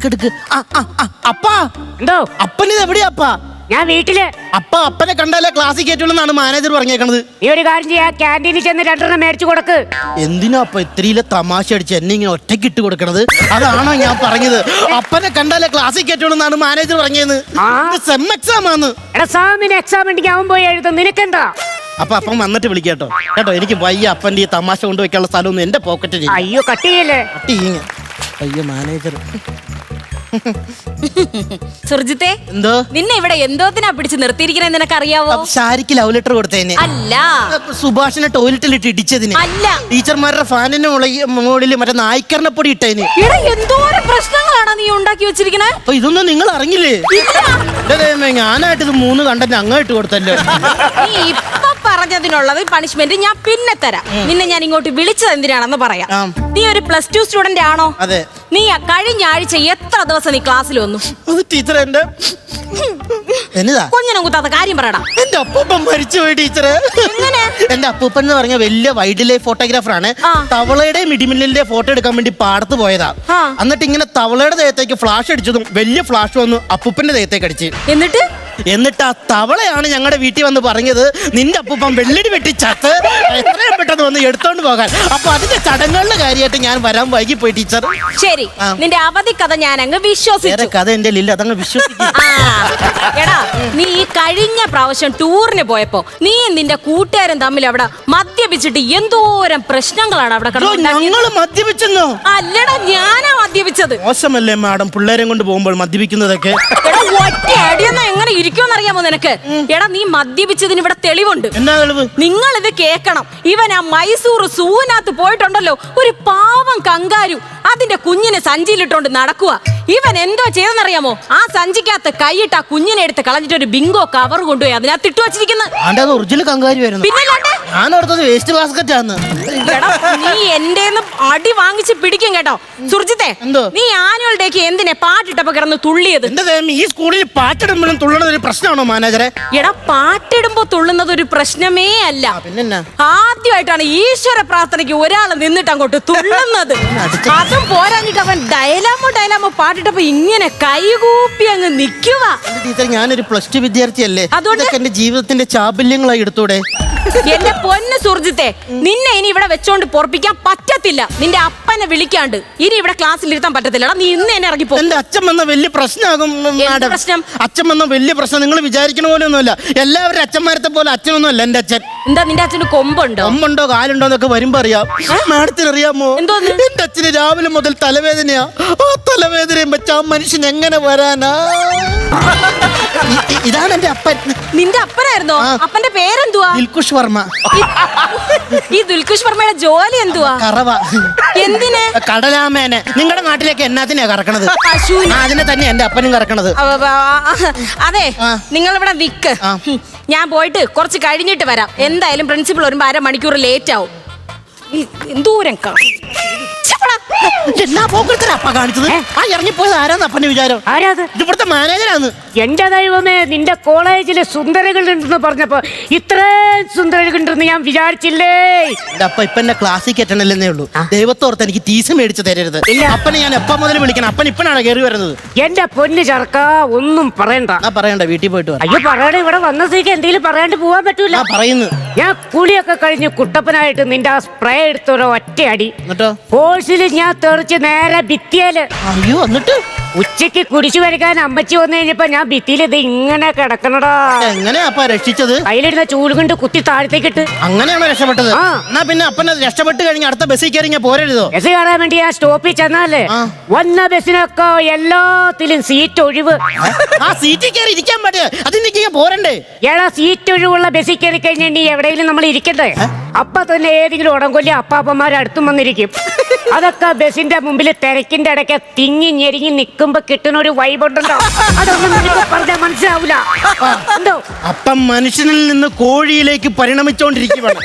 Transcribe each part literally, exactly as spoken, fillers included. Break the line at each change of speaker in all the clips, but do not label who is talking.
എടുക്കെടുക്ക്. അപ്പാ
എന്തോ
അപ്പനിത് എവിടെയാ അപ്പാ?
ഞാൻ വീട്ടില്.
അപ്പ അപ്പനെ കണ്ടാലേ ക്ലാസ്സിൽ കയറ്റുള്ളൂ മാനേജർ പറഞ്ഞേക്കണത്.
നീ ഒരു കാര്യം ചെയ്യാ, ക്യാൻറ്റീനിൽ ചെന്ന് രണ്ടെണ്ണം മേടിച്ചു കൊടുക്ക്.
എന്തിനാ അപ്പ ഇത്രയിലെ തമാശ അടിച്ച് എന്നെ ഇങ്ങനെ ഒറ്റയ്ക്ക് ഇട്ട് കൊടുക്കണത്? അതാണോ ഞാൻ പറഞ്ഞത്? അപ്പനെ കണ്ടാലേ ക്ലാസ്സിൽ കയറ്റുള്ളൂ മാനേജർ പറഞ്ഞത്. സെം എക്സാം ആണ്.
എടാ സാമിന് എക്സാം ഉണ്ടെങ്കിൽ അവൻ പോയി എഴുതും, നിനക്കെന്താ?
അപ്പൊ അപ്പം വന്നിട്ട് വിളിക്കാട്ടോ കേട്ടോ. എനിക്ക് വയ്യ അപ്പന്റെ ഈ തമാശ കൊണ്ടുവയ്ക്കാനുള്ള സ്ഥലമൊന്നും എന്റെ പോക്കറ്റിൽ.
അയ്യോ കട്ട് ചെയ്യല്ലേ.
അയ്യോ മാനേജർ.
സുർജിത്തെ,
എന്തോ
നിന്നെ ഇവിടെ എന്തോത്തിനാ പിടിച്ച് നിർത്തിയിരിക്കുന്നത് നിനക്കറിയാവോ?
ഷാരിക്ക് ലവ് ലെറ്റർ കൊടുത്തതിന്
അല്ല.
സുഭാഷിനെ ടോയ്ലറ്റിലിട്ട് ഇടിച്ചതിന്
അല്ല.
ടീച്ചർമാരുടെ ഫാനിന്റെ മുകളിൽ മറ്റേ നായ്ക്കറിനെ പൊടി ഇട്ടതിന്.
എന്തോരം പ്രശ്നങ്ങളാണ് നീ ഉണ്ടാക്കി വെച്ചിരിക്കണേ.
അപ്പൊ ഇതൊന്നും നിങ്ങൾ അറിഞ്ഞില്ലേ? ഞാനായിട്ട് ഇത് മൂന്ന് കണ്ടന്റ് അങ്ങോട്ട് കൊടുത്തല്ലോ.
നീ ഇപ്പൊ പറഞ്ഞതിനുള്ളത് പണിഷ്മെന്റ് ഞാൻ പിന്നെ തരാം. നിന്നെ ഞാൻ ഇങ്ങോട്ട് വിളിച്ചത് എന്തിനാണെന്ന് പറയാം. നീ ഒരു പ്ലസ് ടു സ്റ്റുഡന്റ് ആണോ?
അതെ.
നീ കഴിഞ്ഞ ആഴ്ച എത്ര ദിവസം നീ ക്ലാസ്സിൽ വന്നു?
ടീച്ചർ എന്റെ
കൊഞ്ഞനം കുത്താത്ത കാര്യം പറയടാ.
എന്റെ അപ്പൂപ്പൻ മരിച്ചുപോയി ടീച്ചറെ. എന്റെ അപ്പൂപ്പൻ എന്ന് പറഞ്ഞ വലിയ വൈൽഡ് ലൈഫ് ഫോട്ടോഗ്രാഫർ ആണ്. തവളയുടെയും ഇടിമിന്നലിന്റെ ഫോട്ടോ എടുക്കാൻ വേണ്ടി പാടത്ത് പോയതാ. എന്നിട്ട് ഇങ്ങനെ തവളയുടെ ദേഹത്തേക്ക് ഫ്ലാഷ് അടിച്ചതും വലിയ ഫ്ലാഷ് വന്നു അപ്പൂപ്പന്റെ ദേഹത്തേക്ക് അടിച്ച്.
എന്നിട്ട്
എന്നിട്ട് ആ തവളയാണ് ഞങ്ങളുടെ വീട്ടിൽ വന്ന് പറഞ്ഞത്, നിന്റെ അപ്പൂപ്പൻ വെള്ളടി വെട്ടി ചത്ത് എത്രയും പെട്ടെന്ന് വന്ന് എടുത്തോണ്ട് പോകാൻ. അപ്പൊ അതിന്റെ ചടങ്ങുകളുടെ കാര്യമായിട്ട് ഞാൻ വരാൻ വൈകി പോയി ടീച്ചർ.
ശരി, നിന്റെ അവധി കഥ ഞാൻ അങ്ങ് വിശ്വസിച്ചു.
കഥ എന്റെ ഇല്ല, അതങ്ങ് വിശ്വസിക്കും.
എടാ, നീ ഈ കഴിഞ്ഞ പ്രാവശ്യം ടൂറിന് പോയപ്പോ നീ നിന്റെ കൂട്ടുകാരൻ തമ്മിൽ അവിടെ മദ്യപിച്ചിട്ട് എന്തോരം പ്രശ്നങ്ങളാണ് അവിടെ
ഞങ്ങള് മദ്യപിച്ചെന്നോ?
അല്ലടാ, ഞാനാ മദ്യപിച്ചത്.
മോശമല്ലേ മാഡം പിള്ളേരെ കൊണ്ട് പോകുമ്പോൾ മദ്യപിക്കുന്നതൊക്കെ?
ഒറ്റ അടിയെന്നാ എങ്ങനെ ഇരിക്കുമെന്നറിയാമോ നിനക്ക്? എടാ, നീ മദ്യപിച്ചതിന് ഇവിടെ തെളിവുണ്ട്.
എന്നാ തെളിവ്? നിങ്ങൾ
ഇത് കേക്കണം. ഇവൻ ആ മൈസൂർ സൂവിനകത്ത് പോയിട്ടുണ്ടല്ലോ, ഒരു പാവം കങ്കാരു അതിന്റെ കുഞ്ഞിനെ സഞ്ചിയിലിട്ടോണ്ട് നടക്കുക. ഇവൻ എന്തോ ചെയ്തെന്നറിയാമോ? ആ സഞ്ചിക്കകത്ത് കൈയിട്ട് ആ കുഞ്ഞിനെ എടുത്ത് കളഞ്ഞിട്ട് ഒരു ബിങ്കോ കവർ കൊണ്ടുപോയി അതിനകത്ത് ഇട്ടു വെച്ചിരിക്കുന്നത്.
ഒറിജിനൽ കങ്കാരുമായിരുന്നു.
നീ എന്റെ അടി വാങ്ങിച്ച് പിടിക്കും കേട്ടോ. സുർജിത്തെ, നീ ആനുവൽ ഡേക്ക് എന്തിനെ പാട്ടിട്ടപ്പോ കിടന്ന് തുള്ളിയത്?
ഈ സ്കൂളിൽ പാട്ടിടുമ്പോഴും തുള്ളുന്നത് ഒരു പ്രശ്നമാണോ മാനേജറെ?
എടാ, പാട്ടിടുമ്പോ തുള്ളുന്നത് ഒരു പ്രശ്നമേ അല്ല. ആദ്യമായിട്ടാണ് ഈശ്വര പ്രാർത്ഥനയ്ക്ക് ഒരാള് നിന്നിട്ട് അങ്ങോട്ട് തുള്ളുന്നത്. അതും പോരാഞ്ഞിട്ട് അവൻ ഡയലാമോ ഡയലാമോ പാട്ടിട്ടപ്പോ ഇങ്ങനെ കൈകൂപ്പി അങ്ങ് നിക്കുക.
ഞാനൊരു പ്ലസ് ടു വിദ്യാർത്ഥിയല്ലേ,
അതുകൊണ്ട്
എന്റെ ജീവിതത്തിന്റെ ചാബല്യങ്ങളായി എടുത്തൂടെ?
എന്റെ പൊന്ന് സുർജിത്തെ, നിന്നെ ഇനി ഇവിടെ വെച്ചോണ്ട് പൊറപ്പിക്കാൻ പറ്റത്തില്ല. നിന്റെ അപ്പനെ വിളിക്കാണ്ട് ഇനി ഇവിടെ ക്ലാസ്സിൽ ഇരുത്താൻ പറ്റത്തില്ല. നീ ഇന്ന് തന്നെ ഇറങ്ങിപ്പോ.
എന്റെ അച്ഛൻ വന്ന വലിയ പ്രശ്നമാകും.
പ്രശ്നം
അച്ഛൻ വന്ന വലിയ പ്രശ്നം നിങ്ങൾ വിചാരിക്കണ പോലെ ഒന്നുമല്ല. എല്ലാവരും അച്ഛന്മാരത്തെ പോലെ അച്ഛനൊന്നും അല്ല എന്റെ അച്ഛൻ.
എന്താ നിന്റെ അച്ഛന് കൊമ്പുണ്ടോ?
കൊമ്പുണ്ടോ കാലുണ്ടോ എന്നൊക്കെ വരുമ്പോ അറിയാം. മാഡത്തിന് അറിയാമോ എന്റെ അച്ഛന് രാവിലെ മുതൽ തലവേദനയാ. ആ തലവേദനയും വെച്ച ആ മനുഷ്യൻ എങ്ങനെ വരാനാ? ഇതാണ് എന്റെ അപ്പൻ.
നിന്റെ അപ്പനായിരുന്നോ? അപ്പന്റെ പേരെന്തുവാ?
ദിൽകുഷ് വർമ്മ.
ഈ ദിൽകുഷ് വർമ്മയുടെ ജോലി എന്തുവാ?
കറവ.
എന്തിന്?
കടലാമേനെ. നിങ്ങളുടെ നാട്ടിലേക്ക് എന്നാത്തിനാ കറക്കണത്? അതിനെ തന്നെ എന്റെ അപ്പനും കറക്കണത്.
അതെ, നിങ്ങൾ ഇവിടെ വിക്ക്. ഞാൻ പോയിട്ട് കുറച്ച് കഴിഞ്ഞിട്ട് വരാം. എന്തായാലും പ്രിൻസിപ്പൾ വരുമ്പോ അര മണിക്കൂർ ലേറ്റ് ആവും. എന്തൂരം
ഇറങ്ങിപ്പോയത് ആരാന്ന് അപ്പന്റെ വിചാരം? ഇവിടുത്തെ മാനേജരാണ്.
എന്റെ ദൈവമേ, നിന്റെ കോളേജില് സുന്ദരകളുണ്ടെന്ന് പറഞ്ഞപ്പോ ഇത്രയും സുന്ദരകളുണ്ടെന്ന് ഞാൻ വിചാരിച്ചില്ലേ.
എന്റെ അപ്പ ഇപ്പൊ എന്നെ ക്ലാസ്സിൽ കയറ്റണല്ലേ ഉള്ളൂ. ദൈവത്തോർത്ത് എനിക്ക് ടീസ് മേടിച്ച് തരരുത്. അപ്പനെ ഞാൻ എപ്പം മുതൽ വിളിക്കണം? അപ്പൻ ഇപ്പനാണ് കയറി വരുന്നത്.
എന്റെ പൊന്ന് ചർക്ക, ഒന്നും പറയണ്ട.
ആ പറയണ്ട, വീട്ടിൽ പോയിട്ട്.
അയ്യോ പറയണ, ഇവിടെ വന്ന സ്ഥിതിക്ക് എന്തെങ്കിലും പറയാണ്ട് പോവാൻ പറ്റൂല.
പറയുന്നു.
ഞാൻ കുളിയൊക്കെ കഴിഞ്ഞ് കുട്ടപ്പനായിട്ട് നിന്റെ ആ സ്പ്രേ എടുത്തൊരു ഒറ്റ അടി. കോഴ്സിൽ ഞാൻ തെറിച്ച് നേരെ ഭിത്തിയല്.
അയ്യോ, എന്നിട്ട്
ഉച്ചക്ക് കുടിച്ചു വരയ്ക്കാൻ അമ്മച്ചി വന്നു കഴിഞ്ഞപ്പോ ഞാൻ ഭിത്തിയിൽ ഇത് ഇങ്ങനെ കിടക്കണടാ.
എങ്ങനെയാ അപ്പ രക്ഷിച്ചത്?
കയ്യിലിരുന്ന ചൂല് കൊണ്ട് കുത്തി താഴത്തേക്കിട്ട്.
അങ്ങനെയാണോ രക്ഷപ്പെട്ടത്? എന്നാ പിന്നെ അപ്പനെ രക്ഷപ്പെട്ട് കഴിഞ്ഞ അടുത്ത ബസ്സിൽ കയറി ഞാൻ പോരരുതോ?
ബസ് കയറാൻ വേണ്ടി ആ സ്റ്റോപ്പിൽ ചെന്നാലേ വന്ന ബസ്സിനൊക്കെ എല്ലാത്തിലും സീറ്റ് ഒഴിവ്.
ആ സീറ്റിൽ കയറി ഇരിക്കാൻ പറ്റേ? അതിന് പോരണ്ടേ?
ഏടാ, സീറ്റ് ഒഴിവുള്ള ബസ്സിൽ കയറി കഴിഞ്ഞാൽ എവിടെയെങ്കിലും നമ്മൾ ഇരിക്കണ്ടേ? അപ്പൊ തന്നെ ഏതെങ്കിലും ഉടങ്കൊല്ലി അപ്പാപ്പന്മാർ അടുത്തും വന്നിരിക്കും. അതൊക്കെ ബസിന്റെ മുമ്പിൽ തിരക്കിന്റെ ഇടയ്ക്ക് തിങ്ങി ഞെരിങ്ങി നിൽക്കുമ്പോ കിട്ടുന്ന ഒരു വൈബുണ്ടല്ലോ, അതൊന്നും നിനക്ക് പറഞ്ഞാൽ മനസ്സിലാവൂല. എന്തോ
അപ്പം മനുഷ്യനിൽ നിന്ന് കോഴിയിലേക്ക് പരിണമിച്ചോണ്ടിരിക്കുകയാണ്.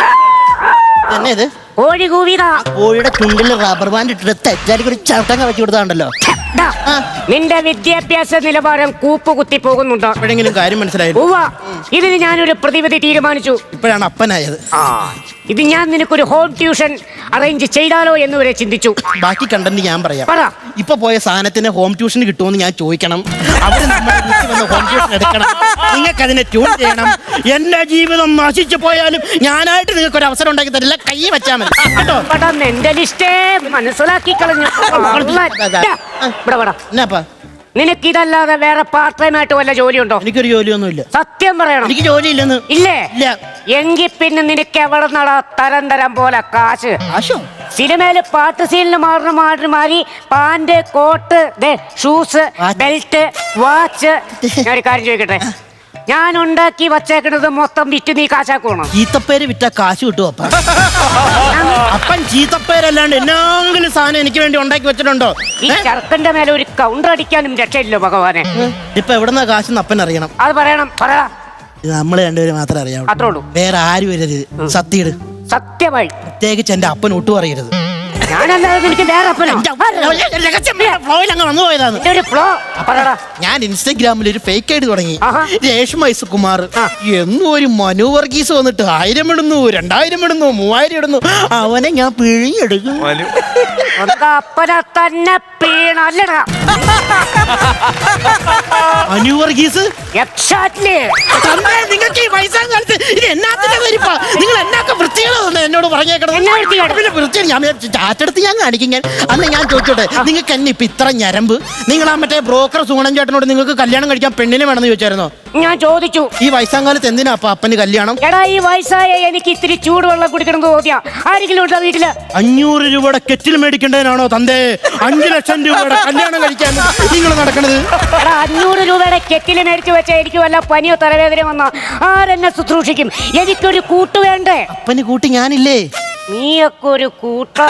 കോഴി കൂവിതാ.
കോഴിയുടെ ചുണ്ടിൽ റബ്ബർ ബാൻഡ് ഇട്ടിട്ട് തെറ്റാലിക്ക് ഒരു ചവിട്ടങ്ങ വെച്ച് കൊടുത്താണ്ടല്ലോ.
നിന്റെ വിദ്യാഭ്യാസ നിലവാരം കൂപ്പ് കുത്തി പോകുന്നുണ്ടോ?
എപ്പോഴെങ്കിലും കാര്യം മനസ്സിലായി?
ഇതിന് ഞാനൊരു പ്രതിവിധി തീരുമാനിച്ചു.
ഇപ്പോഴാണ് അപ്പനായത്.
ഇത് ഞാൻ നിനക്കൊരു ഹോം ട്യൂഷൻ അറേഞ്ച് ചെയ്താലോ എന്ന് വരെ ചിന്തിച്ചു.
ബാക്കി കണ്ടന്റ് ഞാൻ പറയാം.
പറ.
ഇപ്പൊ പോയ സാധനത്തിന് ഹോം ട്യൂഷൻ കിട്ടുമെന്ന് ഞാൻ ചോദിക്കണം. അവര് നമ്മുടെ വീട്ടിൽ വന്ന് ഹോം ട്യൂഷൻ എടുക്കണം. നിങ്ങൾക്ക് അതിനെ ട്യൂൺ ചെയ്യണം. എന്റെ ജീവിതം നശിച്ചു പോയാലും ഞാനായിട്ട് നിങ്ങൾക്ക് ഒരു അവസരം ഉണ്ടാക്കി തരില്ല. കൈ വെച്ചാൽ മതി കേട്ടോ.
എന്റെ ലിസ്റ്റേ മനസ്സിലാക്കി കളഞ്ഞു.
എന്നാപ്പാ
നിനക്കിതല്ലാതെ വേറെ പാർട്ട് ടൈം ആയിട്ട് വല്ല ജോലിയുണ്ടോ?
എനിക്കൊരു ജോലിയൊന്നുമില്ല.
സത്യം പറയണം.
എനിക്ക് ജോലിയില്ലെന്ന്.
ഇല്ലേ?
ഇല്ല.
എങ്കിൽ പിന്നെ നിനക്ക് എവിടെ നടാ തരം തരം പോലെ കാശ്?
ആശോ
സിനിമയില് പാട്ട് സീനിൽ മാറുന്ന മാറി മാറി pant, coat, shoes, belt, watch. ഞാൻ ഒരു കാര്യം ചോദിക്കട്ടെ, ഞാൻ ഉണ്ടാക്കി വച്ചേക്കുന്നത് മൊത്തം വിറ്റ് നീ കാശാക്കണം.
ചീത്തപ്പേര് വിറ്റ കാശ് കിട്ടും അപ്പ. അപ്പൻ ചീത്തപ്പേരല്ലാണ്ട് എന്നാങ്കിലും സാധനം എനിക്ക് വേണ്ടി ഉണ്ടാക്കി വെച്ചിട്ടുണ്ടോ?
ഈ ചെറുക്കന്റെ മേലെ ഒരു കൗണ്ടർ അടിക്കാനും രക്ഷയില്ലോ ഭഗവാനെ.
ഇപ്പൊ എവിടെന്നാ കാശെന്ന് അപ്പൻ അറിയണം.
അത് പറയണം. പറ.
ഇത് നമ്മള് രണ്ടുപേരും മാത്രമേ അറിയാവൂ.
അത്രേ ഉള്ളൂ. വേറെ
ആരും വരരുത്. സത്യയിട്.
സത്യമായി.
പ്രത്യേകിച്ച് എന്റെ അപ്പൻ ഒട്ടും അറിയരുത്. ഞാൻ ഇൻസ്റ്റഗ്രാമിൽ ഒരു ഫേക്ക് ഐഡി തുടങ്ങി. രേഷ്മ ഐസുകുമാർ എന്നും ഒരു മനു വർഗീസ് വന്നിട്ട് ആയിരം ഇടുന്നു, രണ്ടായിരം ഇടുന്നു, മൂവായിരം ഇടുന്നു. അവനെ ഞാൻ പിഴിഞ്ഞെടുക്കും.
അപ്പനെ തന്നെ പീണല്ലടാ
മനു വർഗീസ്. നിങ്ങൾക്ക് ഈ വയസ്സാം കാലത്ത് ഇത് എന്നാത്തിന്റെ വരിപ്പാ? നിങ്ങൾ എന്നാക്ക വൃത്തികളോ എന്നോട് പറഞ്ഞേക്കണം. ഞാൻ ചാറ്റെടുത്ത് ഞാൻ കാണിക്കും. ഞാൻ അന്ന് ഞാൻ ചോദിച്ചോട്ടെ, നിങ്ങൾക്ക് എന്നെ ഇപ്പൊ ഇത്ര ഞരമ്പ്? നിങ്ങൾ ആ മറ്റേ ബ്രോക്കർ സുഗുണൻ ചേട്ടനോട് നിങ്ങൾക്ക് കല്യാണം കഴിക്കാൻ പെണ്ണിനെ വേണമെന്ന് ചോദിച്ചായിരുന്നോ?
ഞാൻ ചോദിച്ചു.
ഈ വയസ്സാം കാലത്ത് എന്തിനാ അപ്പൊ അപ്പന് കല്യാണം?
എടാ ഈ വയസ്സായ എനിക്ക് ഇത്തിരി ചൂടുവെള്ളം കുടിക്കണം തോന്നിയാ ആരെങ്കിലും ഉണ്ടോ വീട്ടില്?
അഞ്ഞൂറ് രൂപയുടെ കെറ്റിൽ മേടിക്കേണ്ടതിനാണോ തന്തേ അഞ്ചു ലക്ഷം രൂപയുടെ കല്യാണം കഴിക്കാൻ നിങ്ങൾ നടക്കണത്?
എടാ അഞ്ഞൂറ് രൂപയുടെ കെറ്റിൽ മേടിച്ചു വെച്ചാൽ എനിക്ക് വല്ല പനിയോ തലവേദന വന്നോ ആരെന്നെ ശുശ്രൂഷിക്കും? എനിക്കൊരു കൂട്ട് വേണ്ടേ?
അപ്പന് കൂട്ടി ഞാനില്ലേ?
നീയൊക്കെ ഒരു കൂട്ട.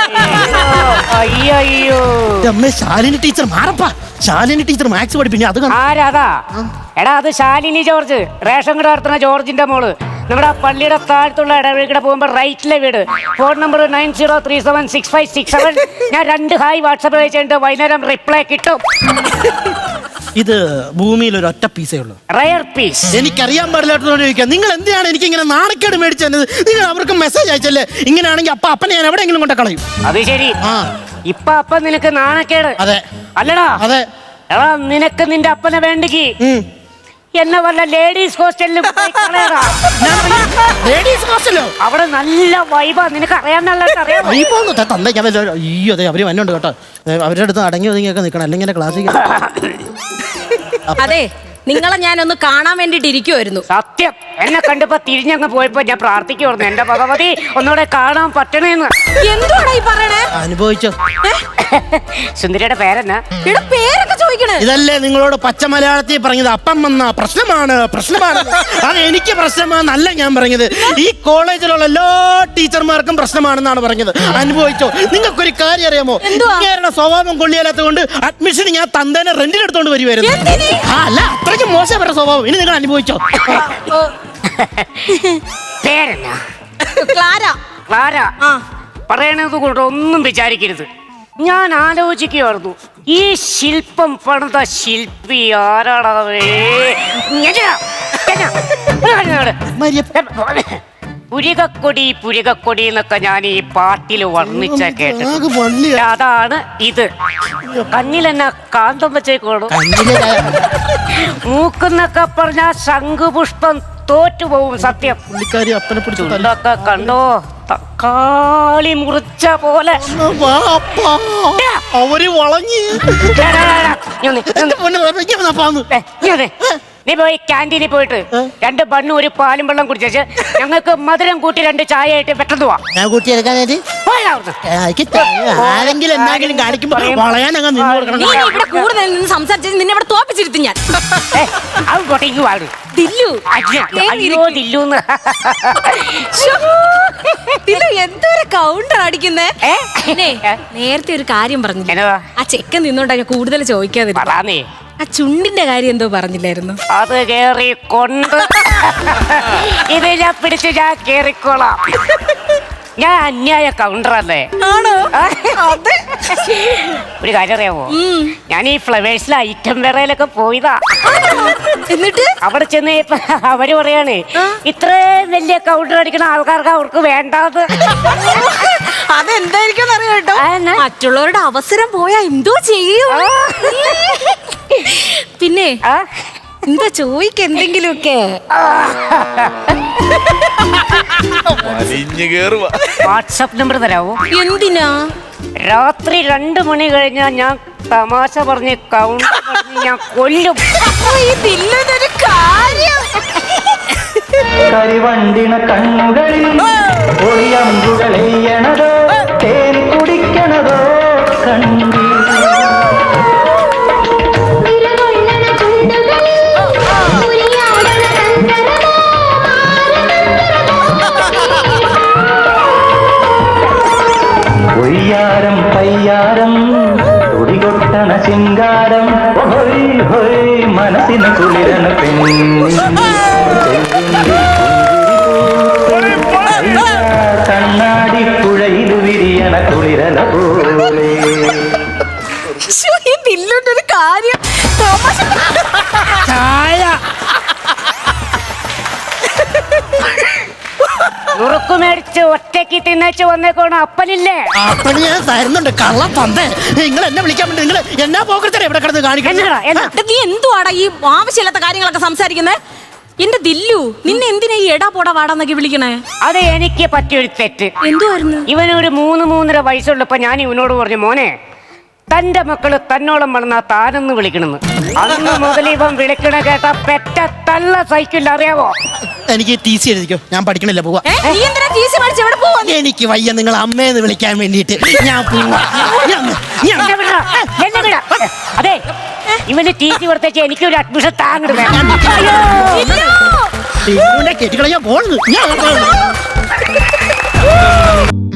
അയ്യോ
അമ്മേ, ശാലിനി ടീച്ചർ മാറപ്പാ. ശാലിനി ടീച്ചർ മാത്സ് പഠിപ്പിക്കും. അത്
ആരാതാ? എടാ അത് ശാലിനി ജോർജ്, റേഷൻ കട നടത്തുന്ന ജോർജിന്റെ മോള്. നമ്മുടെ പള്ളിയുടെ താഴത്തുള്ള ഇടവഴിക്കട പോകുമ്പോൾ റൈറ്റിലെ വീട്. Phone number nine zero three seven six five six seven. ഞാൻ രണ്ട് ഹായ് വാട്സാപ്പ് അയച്ചിട്ട് വൈകുന്നേരം റിപ്ലൈ കിട്ടും.
ഇത് ഭൂമിയിൽ ഒരു ഒറ്റ പീസേ ഉള്ളൂ.
Rare piece.
എനിക്കറിയാൻ പാടില്ലാത്തതുകൊണ്ട് ചോദിക്കാം, നിങ്ങൾ എന്തിനാണ് എനിക്ക് ഇങ്ങനെ നാണക്കേട് മേടിച്ചത്? നിങ്ങൾ അവർക്ക് മെസ്സേജ് അയച്ചല്ലേ? ഇങ്ങനെയാണെങ്കിൽ അപ്പ അപ്പനെ ഞാൻ എവിടെയെങ്കിലും കൊണ്ട് കളയും.
അത് ശരി.
ആ
ഇപ്പൊ അപ്പ നിനക്ക് നാണക്കേട്.
അതെ.
അല്ലടാ?
അതെ.
എടാ നിനക്ക് നിന്റെ അപ്പനെ വേണ്ടെങ്കിൽ എന്നെ വല്ല ലേഡീസ് ഹോസ്റ്റലിലും അവിടെ നല്ല വൈബാ. നിനക്ക് അറിയാമെന്നല്ല അറിയാം.
അയ്യോ അതെ, അവര് വന്നുണ്ട് കേട്ടോ. അവരുടെ അടുത്ത് അടങ്ങി ഒതുങ്ങിയൊക്കെ നിൽക്കണം, അല്ലെങ്കിൽ എന്റെ ക്ലാസ്സിൽ.
അതെ, നിങ്ങളെ ഞാനൊന്ന് കാണാൻ വേണ്ടിട്ട് ഇരിക്കുവായിരുന്നു.
സത്യം, എന്നെ കണ്ടപ്പോ തിരിഞ്ഞങ്ങ് പോയപ്പോ ഞാൻ പ്രാർത്ഥിക്കുവായിരുന്നു, എന്റെ ഭഗവതി ഒന്നുകൂടെ കാണാൻ പറ്റണേന്ന്.
എന്തുവാടാ ഈ പറയണേ?
അനുഭവിച്ചോ?
സുന്ദരിയുടെ പേരെന്നാ?
പേരൊക്കെ ചോദിക്കണേ.
ഇതല്ലേ നിങ്ങളോട് പച്ച മലയാളത്തിൽ പറഞ്ഞത്? അപ്പം വന്ന പ്രശ്നമാണ് പ്രശ്നമാണ്. അത് എനിക്ക് പ്രശ്നമാണെന്നല്ല ഞാൻ പറഞ്ഞത്. ഈ കോളേജിലുള്ള എല്ലാ ടീച്ചർമാർക്കും പ്രശ്നമാണെന്നാണ് പറഞ്ഞത്. അനുഭവിച്ചോ? നിങ്ങൾക്കൊരു കാര്യം അറിയാമോ? ഇങ്ങേരുടെ സ്വഭാവം കൊള്ളിയാലാത്ത കൊണ്ട് അഡ്മിഷൻ ഞാൻ തന്തേനെ റെന്റിനെടുത്തോണ്ട് വരുമായിരുന്നു. അല്ല, അത്രയ്ക്ക് മോശം വരുടെ സ്വഭാവം. ഇനി നിങ്ങൾ അനുഭവിച്ചോ?
പേരെന്നാ?
ക്ലാര.
ക്ലാര. പറയണത് കൊണ്ട് ഒന്നും വിചാരിക്കരുത്. ഞാൻ ആലോചിക്കുമായിരുന്നു, ഈ ശില്പം പണിത ശില്പി ആരാടാ? പുരികക്കൊടി പുരികക്കൊടി എന്നൊക്കെ ഞാൻ ഈ പാട്ടിൽ വർണ്ണിച്ച കേട്ടു. അതാണ് ഇത്. കണ്ണിലെന്നാ കാന്തം വെച്ചേക്കോളൂ. മൂക്കെന്നൊക്കെ പറഞ്ഞ ശംഖുപുഷ്പം തോറ്റുപോകും. സത്യം.
പുള്ളിക്കാരി അപ്പനെ പിടിച്ചു
കണ്ടോ? തക്കാളി മുറിച്ച പോലെ
അവര് വളഞ്ഞ്.
നീ പോയി ക്യാൻറ്റീനിൽ പോയിട്ട് രണ്ട് ബണ്ണും ഒരു പാലും വെള്ളം കുടിച്ചേച്ച് ഞങ്ങൾക്ക് മധുരം കൂട്ടി രണ്ട് ചായ ആയിട്ട് പെട്ടെന്ന് പോവാം.
ഞാൻ കൂട്ടി എടുക്കാനായിട്ട് ആരെങ്കിലും എന്തെങ്കിലും കാണിക്കുമ്പോ വളയാനങ്ങ് നിന്ന് കൊടുക്കണം.
ഇവിടെ കൂടുതൽ നിന്ന് സംസാരിച്ചത് നിന്നെ ഇവിടെ തോപ്പിച്ചിരുത്തി ഞാൻ.
അത് കൊട്ടേക്ക് പാടും.
എന്തൊരു കൗണ്ടർ അടിക്കുന്നേ. നേരത്തെ ഒരു കാര്യം പറഞ്ഞില്ല, ആ ചെക്കൻ നിന്നോണ്ടാ ഞാൻ കൂടുതൽ ചോദിക്കാതിരുന്നേ. ആ ചുണ്ടിന്റെ കാര്യം എന്തോ പറഞ്ഞില്ലായിരുന്നു?
അത് കേറിക്കൊണ്ട് ഇത് ഞാൻ പിടിച്ച് ഞാൻ കേറിക്കോളാം. ഞാൻ അന്യായ കൗണ്ടറല്ലേ?
ആണോ? അതെ.
ഒരു കാര്യം അറിയാമോ, ഞാൻ ഈ ഫ്ലവേഴ്സിലെ ഐറ്റം വേറയിലൊക്കെ പോയതാ.
എന്നിട്ട്
അവിടെ ചെന്ന് ഇപ്പൊ അവര് പറയാണ് ഇത്രയും വലിയ കൗണ്ടർ അടിക്കണ ആൾക്കാർക്ക് അവർക്ക് വേണ്ടാത്.
അതെന്തായിരിക്കും അറിയാം കേട്ടോ. മറ്റുള്ളവരുടെ അവസരം പോയാ എന്തോ ചെയ്യും. പിന്നെ എന്താ ചോദിക്ക എന്തെങ്കിലുമൊക്കെ.
വാട്സാപ്പ് നമ്പർ തരാവോ?
എന്തിനാ?
രാത്രി രണ്ടു മണി കഴിഞ്ഞാൽ ഞാൻ തമാശ പറഞ്ഞ് കൗണ്ടർ പറഞ്ഞ് ഞാൻ കൊല്ലും.
ഇതില്ലൊരു കാര്യം.
കരിവണ്ടിന കണ്ണുകളിൽ ഒളിയമ്പുകളെയ്യണതോ തേൻ കുടിക്കണതോ കണ്ടി ഒയ്യാരം പയ്യാരം തുടികൊട്ടണ ശിങ്കാരം ഹൊയ് ഹൊയ് മനസ്സിന് കുളിരന കണ്ണാടി പുഴയിൽ വിരിയണ കുളിരന പോലെ.
ഇതില്ലൊരു കാര്യം.
നുറുക്കു മേടിച്ച് ഒറ്റയ്ക്ക് തിന്നേച്ച് വന്നേക്കോണ അപ്പനില്ലേ?
അപ്പന് ഞാൻ തരുന്നുണ്ട്. കള്ളം പന്തേ, നിങ്ങൾ എന്നെ വിളിക്കാൻ വേണ്ടി നിങ്ങൾ എന്നാ പോക്കത്തരെ ഇവിടെ കിടന്ന് കാണിക്കുന്നത്?
നീ എന്തുവാടാ ഈ ആവശ്യമില്ലാത്ത കാര്യങ്ങളൊക്കെ സംസാരിക്കുന്നത്? എന്റെ ദില്ലു, നിന്നെ എന്തിനാ ഈ എടാ പോടാ വാടാന്നൊക്കെ വിളിക്കണേ?
അത് എനിക്ക് പറ്റിയൊരു തെറ്റ്.
എന്തുവായിരുന്നു?
ഇവനൊരു മൂന്ന് മൂന്നര വയസ്സുള്ളപ്പോ ഞാൻ ഇവനോട് പറഞ്ഞു, മോനെ തന്റെ മക്കള് തന്നോളം വളർന്ന താനെന്ന് വിളിക്കണെന്ന്. അന്ന് മുതൽ ഇവൻ വിളിക്കണ കേട്ട പെറ്റ തള്ള സൈക്കിൾ അറിയാവോ?
എനിക്ക് ടി സി എഴുതിക്കോ, ഞാൻ പഠിക്കണില്ല, പോവാ. എനിക്ക് വയ്യ നിങ്ങൾ അമ്മയെന്ന് വിളിക്കാൻ വേണ്ടിട്ട്. ഞാൻ പോവാ.
എന്നെ വിടടാ, എന്നെ വിടാ. അതെ, ഇവന് ടി സി കൊടുത്തേച്ച് എനിക്കൊരു അഡ്മിഷൻ താങ്ങട് വേണം.
കെട്ടിക്കളയാ പോകുന്നു.